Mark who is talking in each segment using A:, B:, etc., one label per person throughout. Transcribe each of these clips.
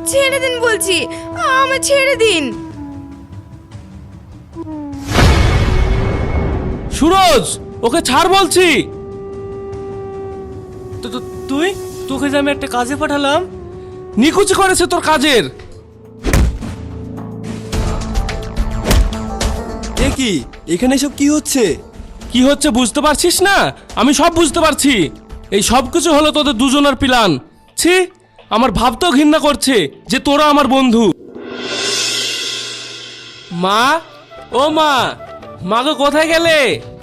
A: ছেড়ে দিন বলছি, আমার ছেড়ে দিন।
B: সুরজ, ওকে ছাড় বলছি। তুই, তোকে যে আমি একটা কাজে পাঠালাম, নিকুচি করেছে তোর কাজের।
C: এ কি, এখানে সব কি হচ্ছে?
B: কি হচ্ছে বুঝতে পারছিস না? আমি সব বুঝতে পারছি। এই সব কিছু হলো তোদের দুজনের প্ল্যান। ছি, আমার ভাবতেও ঘৃণা করছে যে তোরা আমার বন্ধু। মা, ও মা, মাগো কোথায় গেলে?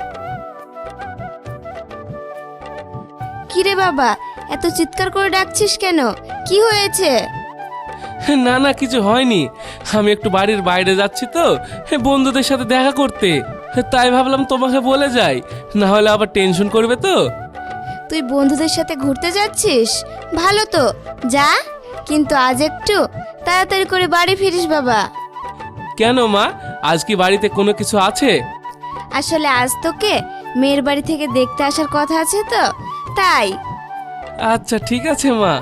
A: কিরে বাবা, এত চিৎকার করে ডাকছিস কেন? কি হয়েছে?
B: না না, কিছু হয়নি। আমি একটু বাড়ির বাইরে যাচ্ছি তো, বন্ধুদের সাথে দেখা করতে, তাই ভাবলাম তোমাকে বলে যাই, না হলে আবার টেনশন করবে তো।
A: তুই বন্ধুদের সাথে ঘুরতে যাচ্ছিস? ভালো তো, যা, কিন্তু আজ একটু তাড়াতাড়ি করে বাড়ি ফিরিস বাবা।
B: কেন মা, আজ কি বাড়িতে কোনো কিছু আছে?
A: আসলে আজ তোকে মেয়ের বাড়ি থেকে দেখতে আসার কথা আছে তো, তাই।
B: আচ্ছা ঠিক আছে মা।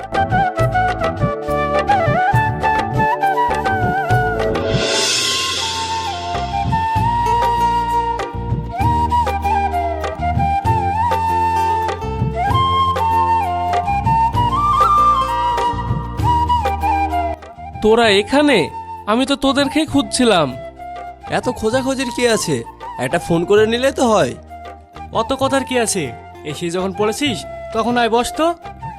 B: তোরা এখানে? আমি তো তোদেরকেই খুঁজছিলাম।
C: এত খোঁজাখোঁজির কি আছে? একটা ফোন করে নিলে তো হয়।
D: অত কথার কি আছে? এসে যখন পড়েছিস তখন আয়, বস তো।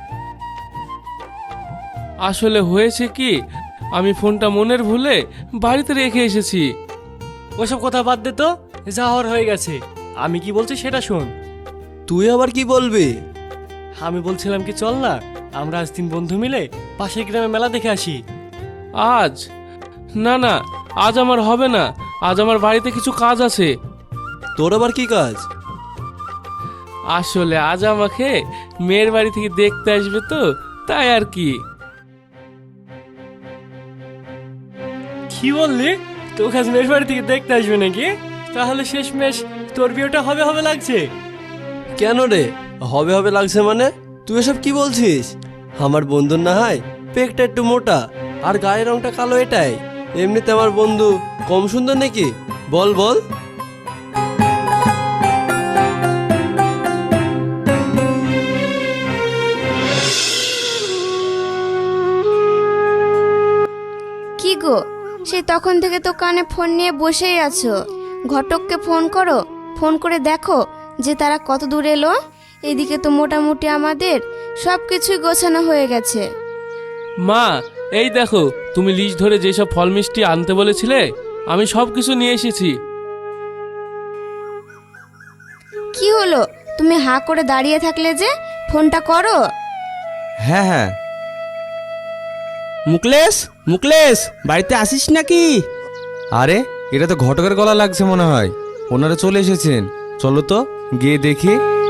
B: আসলে হয়েছে কি, আমি ফোনটা মনের ভুলে বাড়িতে রেখে এসেছি।
D: ওসব কথা বাদ দে তো, যা হওয়ার হয়ে গেছে। আমি কি বলছি সেটা শোন।
C: তুই আবার কি বলবি?
D: আমি বলছিলাম কি, চল না আমরা আজ 3 বন্ধু মিলে পাশের গ্রামে মেলা দেখে আসি।
B: আজ? না না, আজ আমার হবে না। আজ আমার বাড়িতে কিছু কাজ আছে।
C: তোর আবার কি কাজ?
B: আসলে আজ আমাকে মেয়ের বাড়ি থেকে দেখতে আসবে তো, তাই আর কি।
D: কি বললি? তোকে আজ মেয়ের বাড়ি থেকে দেখতে আসবে নাকি? তাহলে শেষমেশ তোর বিয়েটা হবে হবে লাগছে।
C: কেন রে, হবে হবে লাগছে মানে? তুই এসব কি বলছিস? আমার বন্ধুর না হয় পেকটা একটু মোটা আর গায়ের রংটা কালো, এটাই। এমনিতে আমার বন্ধু কম সুন্দর নাকি? বল বল।
A: কি গো, সেই তখন থেকে তো কানে ফোন নিয়ে বসেই আছো। ঘটককে ফোন করো, ফোন করে দেখো যে তারা কত দূর এলো। এদিকে তো মোটামুটি আমাদের সব কিছুই গোছানো হয়ে গেছে।
B: মা, এই দেখো, তুমি লিস্ট ধরে যেসব ফল মিষ্টি আনতে বলেছিলে, আমি সব কিছু নিয়ে এসেছি।
A: কি হলো, তুমি হাঁ করে দাঁড়িয়ে থাকলে যে? ফোনটা করো।
E: হ্যাঁ হ্যাঁ। মুকলেশ, মুকলেশ, বাড়িতে আসিস নাকি? আরে, এটা তো ঘটকের গলা লাগছে মনে হয়। ওনারা চলে এসেছেন, চলো তো গিয়ে দেখি।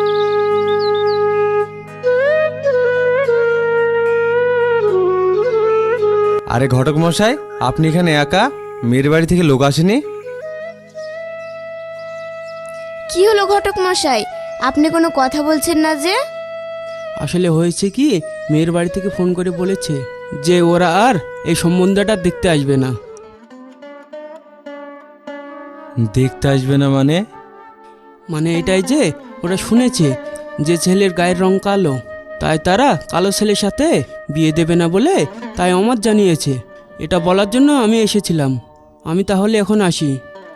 E: আরে ঘটক মশাই, আপনি এখানে একা? মেয়ের বাড়ি থেকে লোক আসেনি?
A: কি হলো ঘটক মশাই, আপনি কোনো কথা বলছেন না যে?
F: আসলে হয়েছে কি, মেয়ের বাড়ি থেকে ফোন করে বলেছে যে ওরা আর এই সম্বন্ধটা দেখতে আসবে না।
E: দেখতে আসবে না মানে?
F: মানে এটাই যে ওরা শুনেছে যে ছেলের গায়ের রং কালো, তাই তারা কালো ছেলের সাথে বিয়ে দেবে না বলে তাই আমার জানিয়েছে। এটা বলার জন্য আমি এসেছিলাম। আমি তাহলে এখন আসি।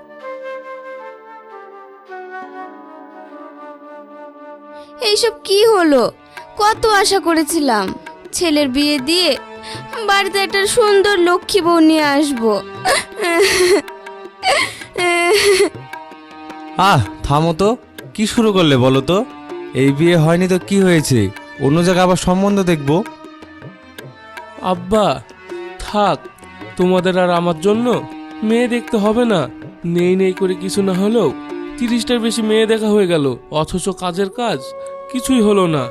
A: এইসব কি হলো? কত আশা করেছিলাম ছেলের বিয়ে দিয়ে বাড়িতে একটা সুন্দর লক্ষ্মী বউ নিয়ে আসবো।
E: থামো তো, কি শুরু করলে বলো তো? এই বিয়ে হয়নি তো কি হয়েছে? অন্য জায়গায় আবার সম্বন্ধ দেখবো।
B: আব্বা থাক, তোমাদের আর আমার জন্য মেয়ে দেখতে হবে না। নেই নেই করে কিছু না হলেও 30টার বেশি মেয়ে দেখা হয়ে গেল, অথচ কাজের কাজ কিছুই হলো না।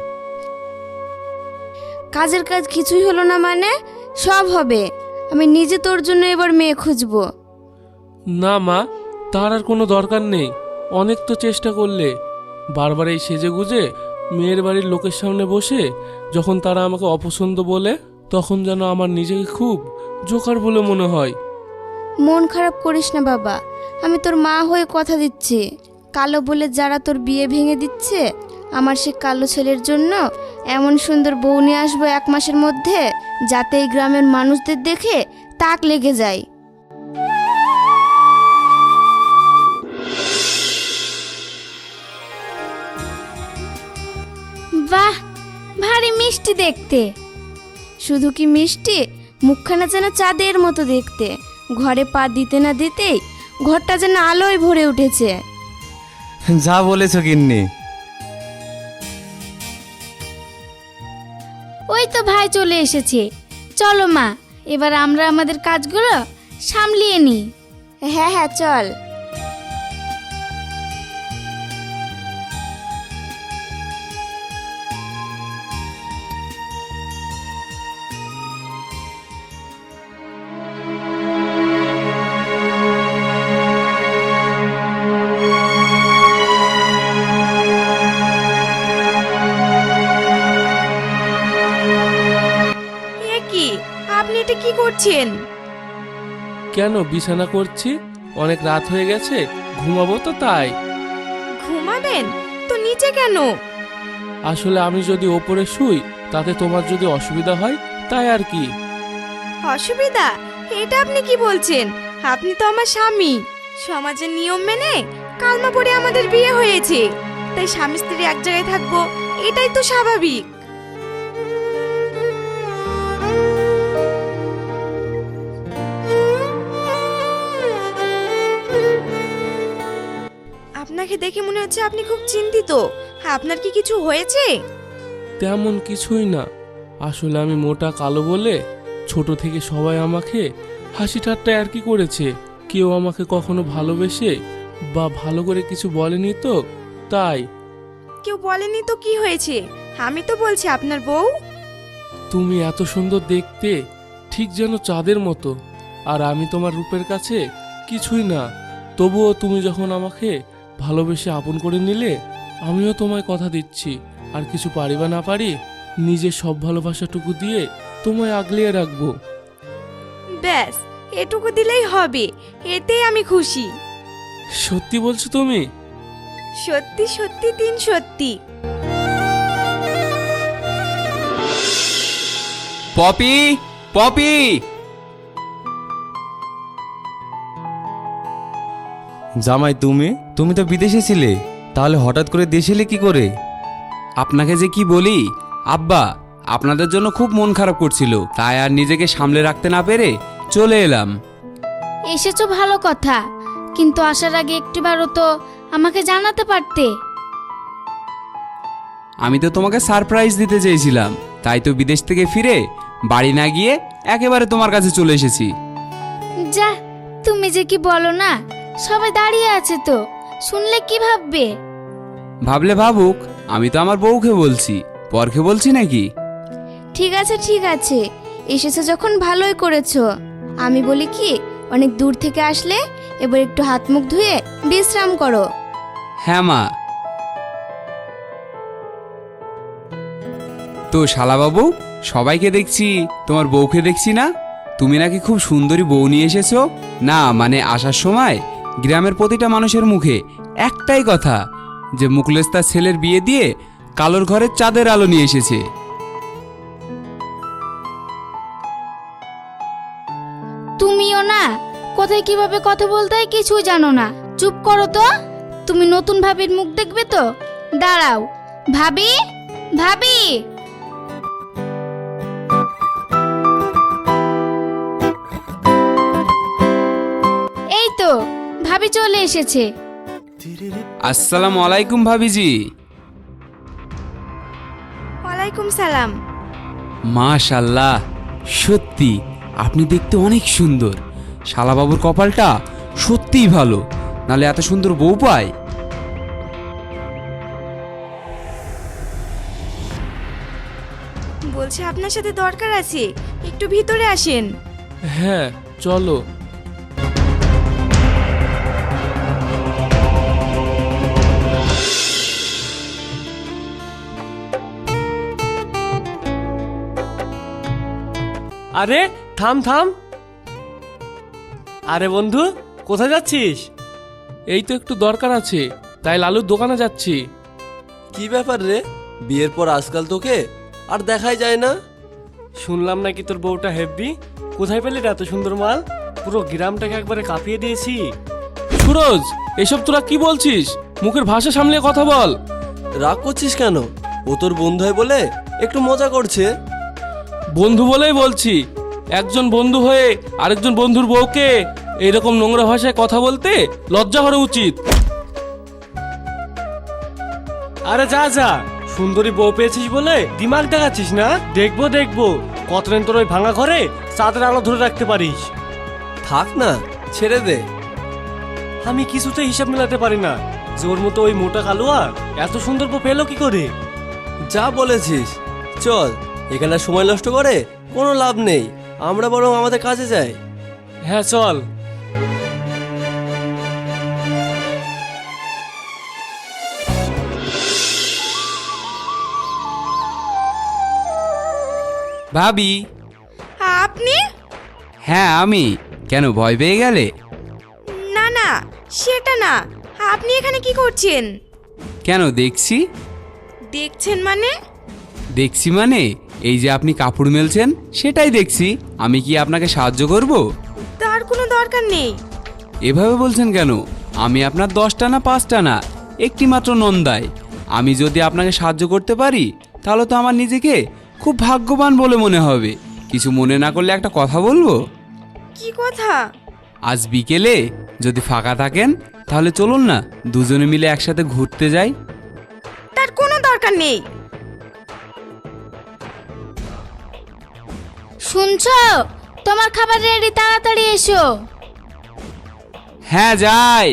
A: কাজের কাজ কিছুই হলো না মানে? সব হবে। আমি নিজে তোর জন্য এবার মেয়ে খুঁজবো।
B: না মা, তার আর কোনো দরকার নেই। অনেক তো চেষ্টা করলে। বারবার এই সেজে গুজে মেয়ের বাড়ির লোকের সামনে বসে যখন তারা আমাকে অপছন্দ বলে, তখন যেন আমার নিজেকে খুব জোকার বলে মনে হয়।
A: মন খারাপ করিস না বাবা, আমি তোর মা হয়ে কথা দিচ্ছি, কালো বলে যারা তোর বিয়ে ভেঙে দিচ্ছে, আমার সে কালো ছেলের জন্য এমন সুন্দর বউ নিয়ে আসবো 1 মাসের মধ্যে, যাতে এই গ্রামের মানুষদের দেখে তাক লেগে যায়। বাহ, ভারী মিষ্টি দেখতে। শুধু কি মিষ্টি, মুখখানা যেন চাঁদের মতো দেখতে। ঘরে পা দিতে না দিতেই ঘরটা যেন আলোয় ভরে উঠেছে।
E: যা বলেছো গিন্নি।
G: ওই তো ভাই চলে এসেছে। চলো মা, এবার আমরা আমাদের কাজগুলো সামলিয়ে নিই।
A: হ্যাঁ হ্যাঁ, চল।
H: কি আপনি এটা কি করছেন?
B: কেন বিছানা করছি? অনেক রাত হয়ে গেছে, ঘুমাবো তো তাই।
H: ঘুমাবেন তো নিচে কেন?
B: আসলে আমি যদি ওপরে শুই তাতে তোমার যদি অসুবিধা হয় তাই আর কি।
H: অসুবিধা? এটা আপনি কি বলছেন? আপনি তো আমার স্বামী। সমাজের নিয়ম মেনে কালমা পড়ে আমাদের বিয়ে হয়েছে, তাই স্বামী স্ত্রী এক জায়গায় থাকবো, এটাই তো স্বাভাবিক। আপনাকে দেখে মনে হচ্ছে আপনি খুব চিন্তিত। আপনার কি কিছু হয়েছে?
B: তেমন কিছুই না, আসলে আমি মোটা কালো বলে ছোট থেকে সবাই আমাকে হাসি ঠাট্টা আর কি করেছে। কেউ আমাকে কখনো ভালোবেসে বা ভালো করে কিছু বলেনি তো তাই।
H: কেউ বলেনি তো কি হয়েছে? আমি তো বলছি আপনার বউ।
B: তুমি এত সুন্দর দেখতে, ঠিক যেন চাঁদের মতো, আর আমি তোমার রূপের কাছে কিছুই না। তবুও তুমি যখন আমাকে ভালোবেসে আপন করে নিলে, আমিও তোমায় কথা দিচ্ছি, আর কিছু পারি বা না পারি, নিজের সব ভালোবাসাটুকু দিয়ে তোমায় আগলিয়ে রাখবো।
H: ব্যাস, এটুকু দিলেই হবে, এতেই আমি খুশি।
B: সত্যি বলছো তুমি?
H: সত্যি সত্যি 3 সত্যি।
E: পপি, পপি! জামাই তুমি তো বিদেশে ছিলে, তাহলে হঠাৎ করে দেশে এলে কি করে?
I: আপনাকে যে কি বলি আব্বা, আপনাদের জন্য খুব মন খারাপ করছিল, তাই আর নিজেকে সামলে রাখতে না পেরে চলে এলাম।
G: এসেছো ভালো কথা, কিন্তু আসার আগে একটিবারও তো আমাকে জানাতে পারতে।
I: আমি তো তোমাকে সারপ্রাইজ দিতে চেয়েছিলাম, তাই তো বিদেশ থেকে ফিরে বাড়ি না গিয়ে একেবারে তোমার কাছে চলে এসেছি।
G: যা, তুমি যে কি বলো না, সবাই দাঁড়িয়ে আছে তো, শুনলে কি ভাববে?
I: ভাবলে ভাবুক, আমি তো আমার বউকে বলছি, পরকে বলছি নাকি।
A: ঠিক আছে ঠিক আছে, এসেছো যখন ভালোই করেছো। আমি বলি কি, অনেক দূর থেকে আসলে এবার একটু হাত মুখ ধুয়ে বিশ্রাম করো।
I: হ্যাঁ মা। তো শালাবাবু, সবাইকে দেখছি, তোমার বউকে দেখছি না। তুমি নাকি খুব সুন্দরী বউ নিয়ে এসেছো। না মানে আসার সময় গ্রামের প্রতিটা মানুষের মুখে একটাই কথা, যে মুখলেস তার ছেলের বিয়ে দিয়ে কালোর ঘরের চাঁদের আলো নিয়ে এসেছে।
G: তুমিও না, কোথায় কিভাবে কথা বলতে হয় কিছুই জানো না। চুপ করো তো। তুমি নতুন ভাবির মুখ দেখবে তো, দাঁড়াও। ভাবি, ভাবি! এই তো ভাবি চলে এসেছে।
I: আসসালামু আলাইকুম ভাবিজি।
H: ওয়ালাইকুম সালাম।
I: মাশাল্লাহ, সত্যি আপনি দেখতে অনেক সুন্দর। শালাবাবুর কপালটা সত্যিই ভালো, নালে এত সুন্দর বউ পায়।
H: বলছি আপনার সাথে দরকার আছে, একটু ভিতরে আসেন।
B: হ্যাঁ চলো।
D: আরে থাম থাম। আরে বন্ধু, কোথায় যাচ্ছিস?
B: এই তো একটু দরকার আছে, তাই লালুর দোকানে যাচ্ছি।
C: কি ব্যাপার রে, বিয়ের পর আজকাল তোকে আর দেখাই যায় না?
D: শুনলাম নাকি তোর বউটা হেব্বি। কোথায় পেলি রে এত সুন্দর মাল? পুরো গ্রামটাকে একবারে কাঁপিয়ে দিয়েছি।
B: সুরজ, এসব তোরা কি বলছিস? মুখের ভাষা সামলিয়ে কথা বল।
C: রাগ করছিস কেন? ও তোর বন্ধু হয় বলে একটু মজা করছে।
B: বন্ধু বলেই বলছি, একজন বন্ধু হয়ে আরেকজন বন্ধুর বউকে এরকম নোংরা ভাষায় কথা বলতে লজ্জা করা উচিত।
D: আরে যা যা, সুন্দরী বউ পেয়েছিস বলে দিমাগ দেখাচ্ছিস না? দেখবো দেখবো কতদিন তোর ওই ভাঙা ঘরে চাঁদের আলো ধরে রাখতে পারিস।
C: থাক না, ছেড়ে দে।
D: আমি কিছুতে হিসাব মেলাতে পারি না যে ওর মতো ওই মোটা কালুয়া এত সুন্দর বউ পেলো কি করে।
C: যা বলেছিস, চল, এখানে আর সময় নষ্ট করে কোনো লাভ নেই। আমরা বরং আমাদের কাজে যাই।
D: হ্যাঁ চল।
I: ভাবি।
H: আপনি?
I: হ্যাঁ আমি। কেন, ভয় পেয়ে গেলে?
H: না না, সেটা না। আপনি এখানে কি করছেন?
I: কেন, দেখছি।
H: দেখছেন মানে?
I: দেখছি মানে এই যে আপনি কাপড় মেলছেন সেটাই দেখছি। আমি কি আপনাকে সাহায্য করব?
H: তার কোনো দরকার নেই।
I: এভাবে বলছেন কেন? আমি আপনার 10টা না 5টা না, একটি মাত্র নন্দাই। আমি যদি আপনাকে সাহায্য করতে পারি তাহলে তো আমার নিজেকে খুব ভাগ্যবান বলে মনে হবে। কিছু মনে না করলে একটা কথা বলবো?
H: কি কথা?
I: আজ বিকেলে যদি ফাঁকা থাকেন তাহলে চলুন না, দুজনে মিলে একসাথে ঘুরতে যাই।
H: তার কোনো দরকার নেই।
G: শুনছো? তোমার খাবার রেডি, তাড়াতাড়ি এসো।
I: হ্যাঁ যাই।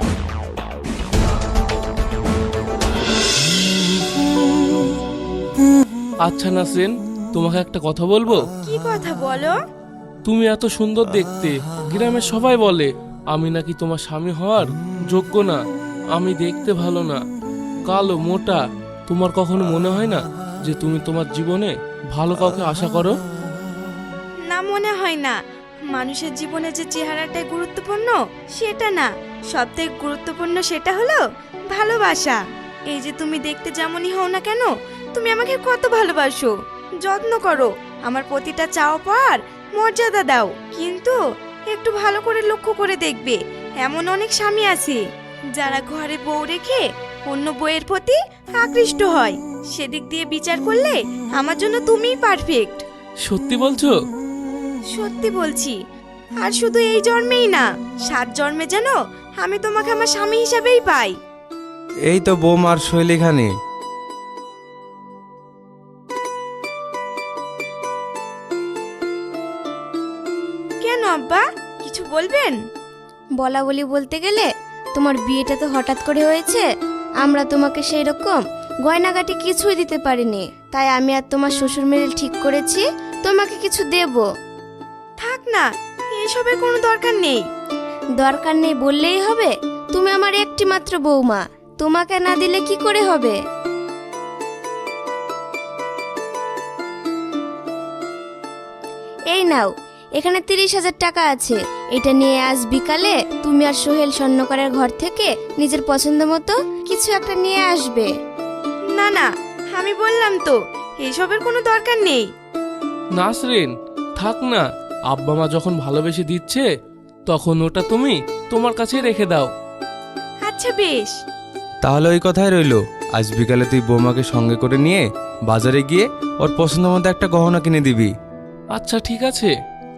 B: আচ্ছা নাসরিন, তোমাকে একটা কথা বলবো।
H: কি কথা বলো?
B: তুমি এত সুন্দর দেখতে, গ্রামের সবাই বলে আমি নাকি তোমার স্বামী হওয়ার যোগ্য না। আমি দেখতে ভালো না, কালো মোটা। তোমার কখনো মনে হয় না যে তুমি তোমার জীবনে ভালো কাউকে আশা করো?
H: না, মনে হয় না। মানুষের জীবনে যে চেহারাটাই গুরুত্বপূর্ণ সেটা না, সবথেকে গুরুত্বপূর্ণ সেটা হলো ভালোবাসা। এই যে তুমি দেখতে যেমনই হও না কেন, তুমি আমাকে কত ভালোবাসো, যত্ন করো, আমার প্রতিটা চাওয়া পাওয়ার মর্যাদা দাও। কিন্তু একটু ভালো করে লক্ষ্য করে দেখবে, এমন অনেক স্বামী আছে যারা ঘরে বউ রেখে অন্য বউয়ের প্রতি আকৃষ্ট হয়। সেদিক দিয়ে বিচার করলে আমার জন্য তুমিই পারফেক্ট।
B: সত্যি বলছো?
H: সত্যি বলছি। আর শুধু এই জন্মেই না, 7 জন্মে যেন আমি তোমাকে আমার স্বামী হিসাবেই পাই।
E: এই তো বৌমার শৈল এখানে।
H: কেন আব্বা, কিছু বলবেন?
A: বলা বলি বলতে গেলে তোমার বিয়েটা তো হঠাৎ করে হয়েছে। আমরা তোমাকে সেই রকম গয়নাগাটি কিছুই দিতে পারিনি, তাই আমি আর তোমার শ্বশুর মেয়ে ঠিক করেছি তোমাকে কিছু দেব।
H: থাক না, এসবের কোনো দরকার নেই।
A: দরকার নেই বললেই হবে? তুমি আমার একটি মাত্র বৌমা, তোমাকে না দিলে কি করে হবে? এই নাও, এখানে 30,000 টাকা আছে। এটা নিয়ে আজ বিকালে তুমি আর সোহেল স্বর্ণকারের ঘর থেকে নিজের পছন্দ মতো কিছু একটা নিয়ে আসবে।
H: না না, আমি বললাম তো এসবের কোনো দরকার নেই।
B: নাসরিন, থাক না। আব্বা মা যখন ভালোবেসে দিচ্ছে তখন ওটা তুমি তোমার কাছে রেখে দাও।
H: আচ্ছা বেশ।
E: তাহলে ওই কথাই রইলো, আজ বিকালে তুই বৌমাকে সঙ্গে করে নিয়ে বাজারে গিয়ে ওর পছন্দ মতো একটা গহনা কিনে দিবি।
B: আচ্ছা ঠিক আছে।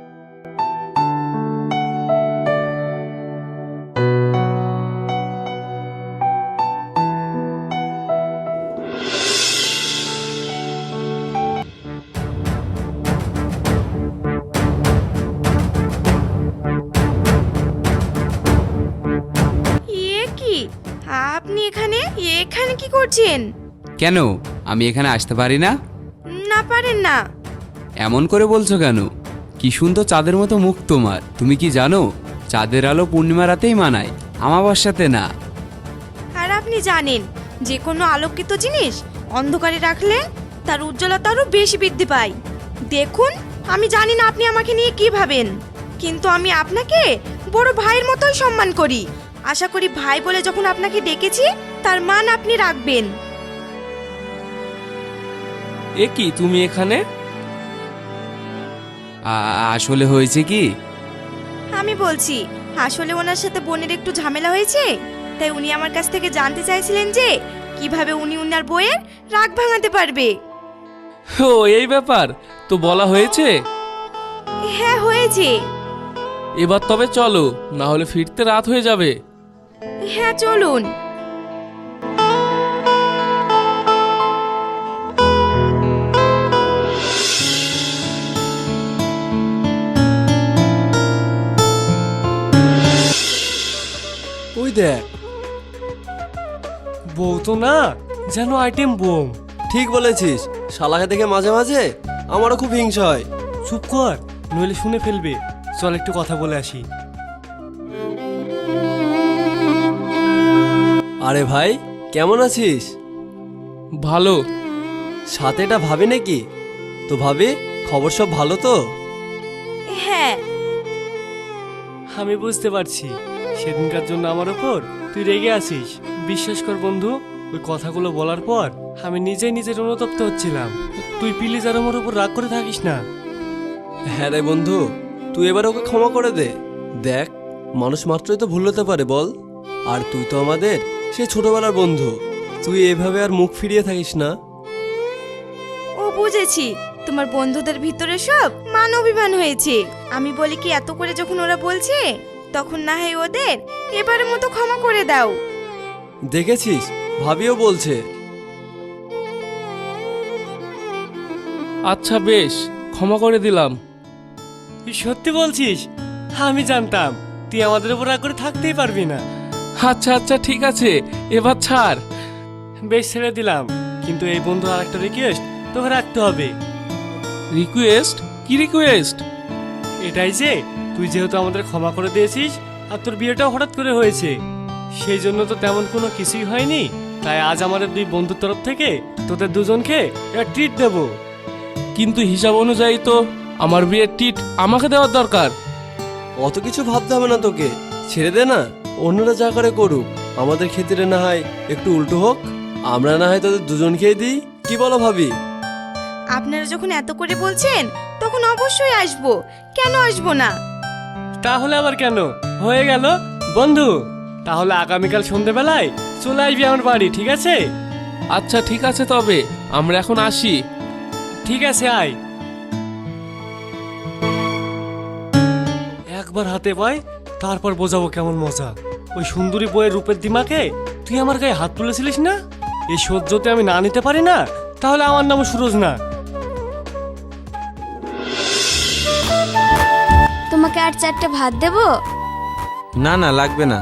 H: এ কি, আপনি এখানে এখানে কি করছেন?
I: কেন, আমি এখানে আসতে পারি না?
H: না, পারেন না।
I: এমন করে বলছো কেন? কি সুন্দর চাঁদের মতো মুখ তোমার। তুমি কি জানো চাঁদের আলো পূর্ণিমা রাতেই মানায়, আমাবস্যাতে না।
H: আর আপনি জানেন যে কোনো আলোকিত জিনিস অন্ধকারে রাখলে তার উজ্জ্বলতা আরো বেশি বৃদ্ধি পায়। দেখুন, আমি জানি না আপনি আমাকে নিয়ে কি ভাবেন, কিন্তু আমি আপনাকে বড় ভাইয়ের মতোই সম্মান করি। আশা করি ভাই বলে যখন আপনাকে ডেকেছি তার মান আপনি রাখবেন।
B: এ কি তুমি এখানে?
I: আসলে হয়েছে কি,
H: আমি বলছি, আসলে ওনার সাথে বোনের একটু ঝামেলা হয়েছে, তাই উনি আমার কাছ থেকে জানতে চাইছিলেন যে কিভাবে উনি উনার বইয়ের রাগ ভাঙাতে পারবে।
B: ও এই ব্যাপার, তো বলা হয়েছে?
H: হ্যাঁ হয়েছে।
B: এবার তবে চলো, না হলে ফিরতে রাত হয়ে যাবে।
H: হ্যাঁ চলুন।
C: ওই দেখ,
D: বউ তো না, যেন আইটেম বোম।
C: ঠিক বলেছিস, শালাকে দেখে মাঝে মাঝে আমারও খুব হিংসা হয়।
D: চুপ কর, নইলে শুনে ফেলবে। চল একটু কথা বলে আসি।
C: আরে ভাই, কেমন আছিস?
B: ভালো।
C: সাথে এটা ভাবি নাকি? তো ভাবি, খবর সব ভালো তো?
H: হ্যাঁ।
D: আমি বুঝতে পারছি সেদিনকার জন্য আমার ওপর তুই রেগে আছিস। বিশ্বাস কর বন্ধু, ওই কথাগুলো বলার পর আমি নিজেই নিজের অনুতপ্ত হচ্ছিলাম। তুই প্লিজ আর আমার উপর রাগ করে থাকিস না।
C: হ্যাঁ রে বন্ধু, তুই এবার ওকে ক্ষমা করে দে। দেখ, মানুষ মাত্রই তো ভুল হতে পারে বল। আর তুই তো আমাদের সেই ছোটবেলার বন্ধু, তুই এভাবে আর মুখ ফিরিয়ে থাকিস না।
H: ও বুঝেছি, তোমার বন্ধুদের ভিতরে সব মান অভিমান হয়েছে। আমি বলি কি, এত করে যখন ওরা বলছে তখন না হয় ওদের এবারের মতো ক্ষমা করে দাও।
C: দেখেছিস, ভাবিও বলছে।
B: আচ্ছা বেশ, ক্ষমা করে দিলাম।
D: তুই সত্যি বলছিস? আমি জানতাম তুই আমাদের উপর রাগ করে থাকতেই পারবি না।
B: আচ্ছা আচ্ছা ঠিক আছে, এবার ছাড়।
D: বেশ, ছেড়ে দিলাম, কিন্তু এই বন্ধুর আর একটা রিকোয়েস্ট তোকে রাখতে হবে।
B: রিকোয়েস্ট? কি রিকোয়েস্ট?
D: এটাই যে তুই যেহেতু আমাদের ক্ষমা করে দিয়েছিস আর তোর বিয়েটাও হঠাৎ করে হয়েছে, সেই জন্য তো তেমন কোনো কিছুই হয়নি। তাই আজ আমাদের দুই বন্ধুর তরফ থেকে তোদের দুজনকে একটা ট্রিট দেব।
B: কিন্তু হিসাব অনুযায়ী তো আমার বিয়ের টিট আমাকে দেওয়ার দরকার।
C: অত কিছু ভাবতে হবে না তোকে, ছেড়ে দে না, অন্যরা যা করে করুক, আমাদের ক্ষেত্রে না হয় একটু উল্টো হোক। আমরা না হয় তোদের দুজনকেই দিই, কি বলো ভাবি?
H: আপনারা যখন এত করে বলছেন তখন অবশ্যই আসবো, কেন আসবো না?
D: তাহলে আবার কেন, হয়ে গেল বন্ধু। তাহলে আগামীকাল সন্ধেবেলায় চলে আসবি আমার বাড়ি, ঠিক আছে?
B: আচ্ছা ঠিক আছে, তবে আমরা এখন আসি।
D: ঠিক আছে, আয়। একবার হাতে পাই, তারপর বোঝাবো কেমন মজা। ওই সুন্দরী বইয়ের রূপের দিমাকে তুই আমার গায়ে হাত তুলেছিলিস না? এই সহ্যতে আমি না নিতে পারি না, তাহলে আমার নাম সুরজ না।
A: তোমাকে আর 4টা ভাত দেবো?
E: না না, লাগবে না।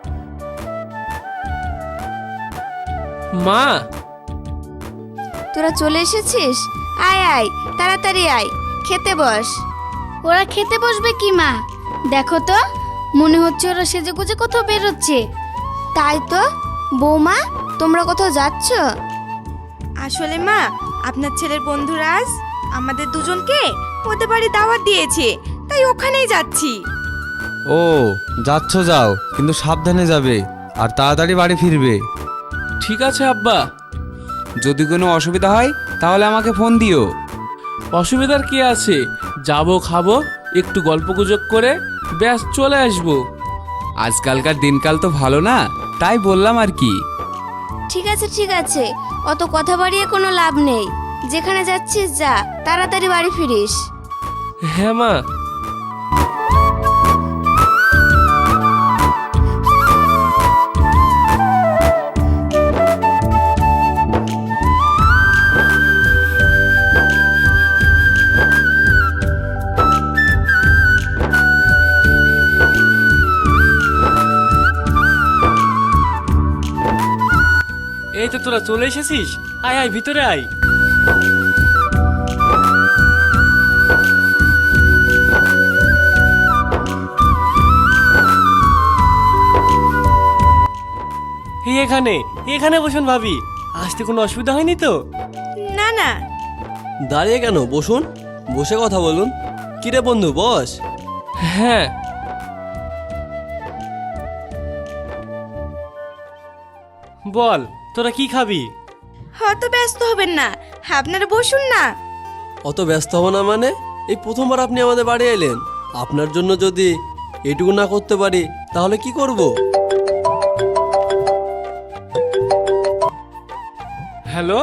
B: মা,
A: তোরা চলে এসেছিস? আয় আয়, তাড়াতাড়ি আয়, খেতে বস।
G: ওরা খেতে বসবে কি মা? দেখো তো, মনে হচ্ছে ওরা সেজে গুজে কোথাও বেরোচ্ছে।
A: তাই তো। বৌমা, তোমরা কোথাও যাচ্ছ?
H: আসলে মা, আপনার ছেলের বন্ধুরা আজ আমাদের দুজনকে ওদের বাড়ি দাওয়াত দিয়েছে, তাই ওখানেই যাচ্ছি।
E: ও, যাচ্ছ যাও, কিন্তু সাবধানে যাবে আর তাড়াতাড়ি বাড়ি ফিরবে।
B: ঠিক আছে আব্বা।
I: যদি কোনো অসুবিধা হয় তাহলে আমাকে ফোন দিও।
B: অসুবিধার কি আছে, যাবো, খাবো, একটু গল্পগুজব করে ব্যাস চলে আসবো।
I: আজকালকার দিনকাল তো ভালো না, তাই বললাম আর কি।
A: ঠিক আছে ঠিক আছে, অত কথা বাড়িয়ে কোনো লাভ নেই। যেখানে যাচ্ছিস যা, তাড়াতাড়ি বাড়ি ফিরিস।
B: হ্যাঁ মা।
D: এই তো তোরা চলে এসেছিস, আয় আয় ভিতরে আয়। এই এখানে এখানে বসুন ভাবি, আসতে কোনো অসুবিধা হয়নি তো?
H: না না।
C: দাঁড়িয়ে কেন, বসুন। বসে কথা বলুন। কিরে বন্ধু, বস।
B: হ্যাঁ,
D: বল তোরা কি খাবি?
H: অত ব্যস্ত হবেন না, আপনারা বসুন না।
C: অত ব্যস্ত হব না মানে? এই প্রথমবার আপনি আমাদের বাড়ি এলেন, আপনার জন্য যদি এটুকু না করতে পারি তাহলে কি করব?
D: হ্যালো।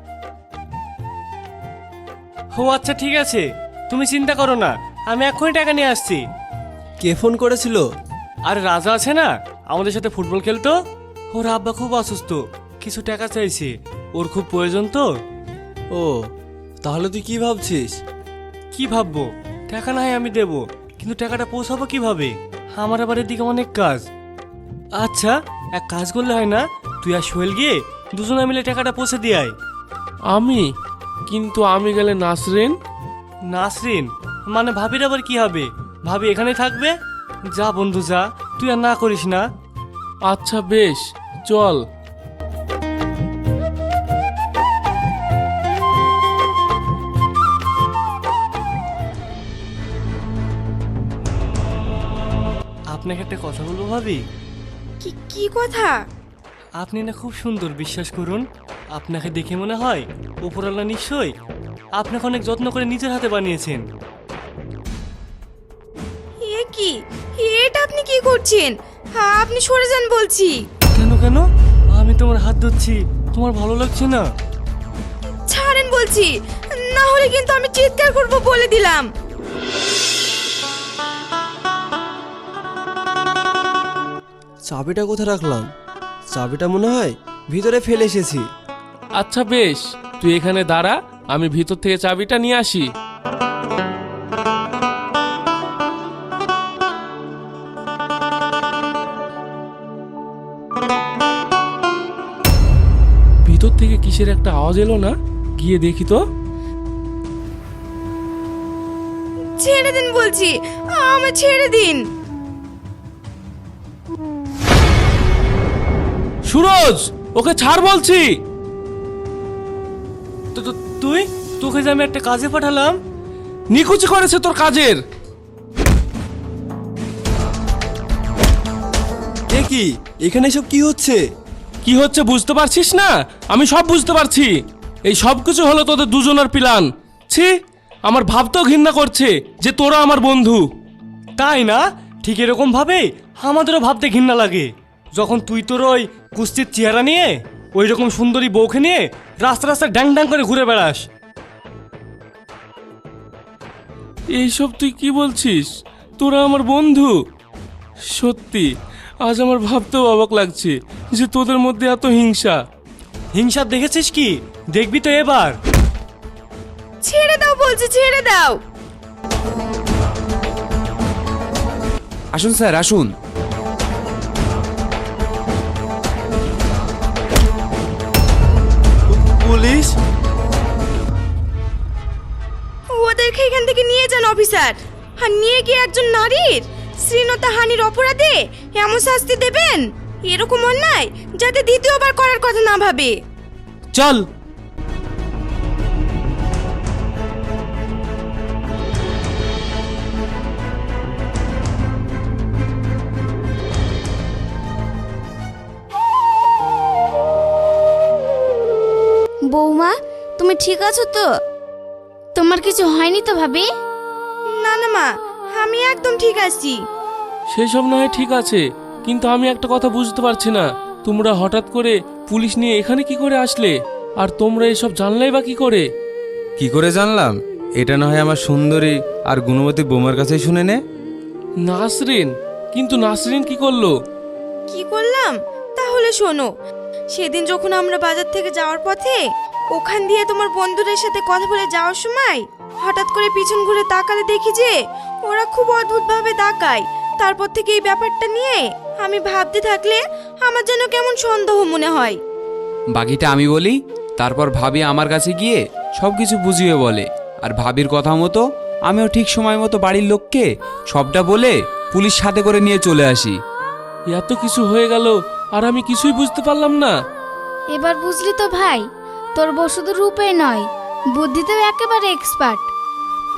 D: ও আচ্ছা ঠিক আছে, তুমি চিন্তা করো না, আমি এক্ষুনি টাকা নিয়ে আসছি।
C: কে ফোন করেছিল?
D: আর রাজা আছে না, আমাদের সাথে ফুটবল খেলতো, ওর আব্বা খুব অসুস্থ, কিছু টাকা চাইছে, ওর খুব প্রয়োজন তো।
C: ও, তাহলে তুই কি ভাবছিস?
D: কি ভাববো, টাকা না হয় আমি দেবো, কিন্তু টাকাটা পৌঁছাবো কিভাবে? আমার আবার এদিকে অনেক কাজ। আচ্ছা এক কাজ করলে হয় না, তুই আর সোহেল গিয়ে দুজনে মিলে টাকাটা পৌঁছে দিয়ে আয়।
B: কিন্তু আমি গেলে নাসরিন?
D: নাসরিন মানে ভাবির আবার কি হবে? ভাবি এখানে থাকবে। যা বন্ধু যা, তুই আর না করিস না।
B: আচ্ছা বেশ, চল।
D: আপনাকে একটা কথা বলবো ভাবি।
H: কি কি কথা?
D: আপনি না খুব সুন্দর, বিশ্বাস করুন। আপনাকে দেখে মনে হয় উপরওয়ালা নিশ্চয়ই আপনাকে অনেক যত্ন করে নিজের হাতে বানিয়েছেন।
H: এ কি, এটা আপনি কি করছেন? আপনি সরে যান বলছি।
D: কেন কেন? আমি তোমার হাত ধরছি, তোমার ভালো লাগছে না?
H: ছাড়েন বলছি, না হলে কিন্তু আমি চিৎকার করব বলে দিলাম।
C: চাবিটা কোথায় রাখলাম? চাবিটা মনে হয় ভিতরে ফেলে এসেছি।
B: আচ্ছা বেশ, তুই এখানে দাঁড়া, আমি ভিতর থেকে চাবিটা নিয়ে আসি। ভিতর থেকে কিসের একটা আওয়াজ এলো না? গিয়ে দেখি তো।
H: ছেড়ে দিন বলছি, আমার ছেড়ে দিন।
B: সুরজ, ওকে ছাড় বলছি।
D: তুই, তোকে যে আমি একটা কাজে পাঠালাম।
B: নিকুচি করেছে তোর কাজের।
C: এ কি, এখানে সব কি হচ্ছে?
B: কি হচ্ছে বুঝতে পারছিস না? আমি সব বুঝতে পারছি। এই সব কিছু হলো তোদের দুজনের প্ল্যান। ছি, আমার ভাবতেও ঘৃণা করছে যে তোরা আমার বন্ধু।
D: তাই না? ঠিক এরকম ভাবে আমাদেরও ভাবতে ঘৃণা লাগে, যখন তুই তোর ওই কুস্তির চেহারা নিয়ে ওই রকম সুন্দরী বউকে নিয়ে রাস্তা রাস্তা ড্যাং ড্যাং করে ঘুরে বেড়াস।
B: এইসব তুই কি বলছিস? তোরা আমার বন্ধু। সত্যি আজ আমার ভাবতেও অবাক লাগছে যে তোদের মধ্যে এত হিংসা।
D: হিংসা দেখেছিস কি? দেখবি তো এবার।
H: ছেড়ে দাও বলছি, ছেড়ে দাও।
I: আসুন স্যার, আসুন।
C: পুলিশ?
H: ওদেরকে এখান থেকে নিয়ে যান অফিসার। আর নিয়ে গিয়ে একজন নারীর শ্লীলতা হানির অপরাধে এমন শাস্তি দেবেন, এরকম অন্যায় যাতে দ্বিতীয়বার করার কথা না ভাবে।
B: চল।
A: বৌমা, তুমি ঠিক আছো তো?
G: তোমার কিছু হয়নি তো ভাবি?
H: না না মা, আমি একদম ঠিক আছি।
B: সেসব না হয় ঠিক আছে, কিন্তু আমি একটা কথা বুঝতে পারছি না, তোমরা হঠাৎ করে পুলিশ নিয়ে এখানে কি করে আসলে? আর তোমরা এসব জানলাই বা কি করে?
E: কি করে জানলাম? এটা না হয় আমার সুন্দরী আর গুণবতী বৌমার কাছেই শুনে নে।
B: নাসরিন? কিন্তু নাসরিন কি করলো?
H: কি করলাম তাহলে শোনো। সেদিন যখন আমরা বাজার থেকে যাওয়ার পথে ওখান দিয়ে তোমার বন্ধুদের সাথে কথা বলে যাওয়ার সময় হঠাৎ করে পিছন ঘুরে তাকালে দেখি যে ওরা খুব অদ্ভুতভাবে তাকায়। তারপর থেকে এই ব্যাপারটা নিয়ে আমি ভাবতে থাকলে আমার যেন কেমন সন্দেহ মনে হয়।
I: বাকিটা আমি বলি, তারপর ভাবি আমার কাছে গিয়ে সব কিছু বুঝিয়ে বলে, আর ভাবির কথা মতো আমিও ঠিক সময় মতো বাড়ির লোককে সবটা বলে পুলিশ সাথে করে নিয়ে চলে আসি।
B: এত কিছু হয়ে গেল আর আমি কিছুই বুঝতে পারলাম না।
G: এবার বুঝলি তো ভাই, তোর বউ শুধু রূপে নয়, বুদ্ধিতেও একেবারে এক্সপার্ট।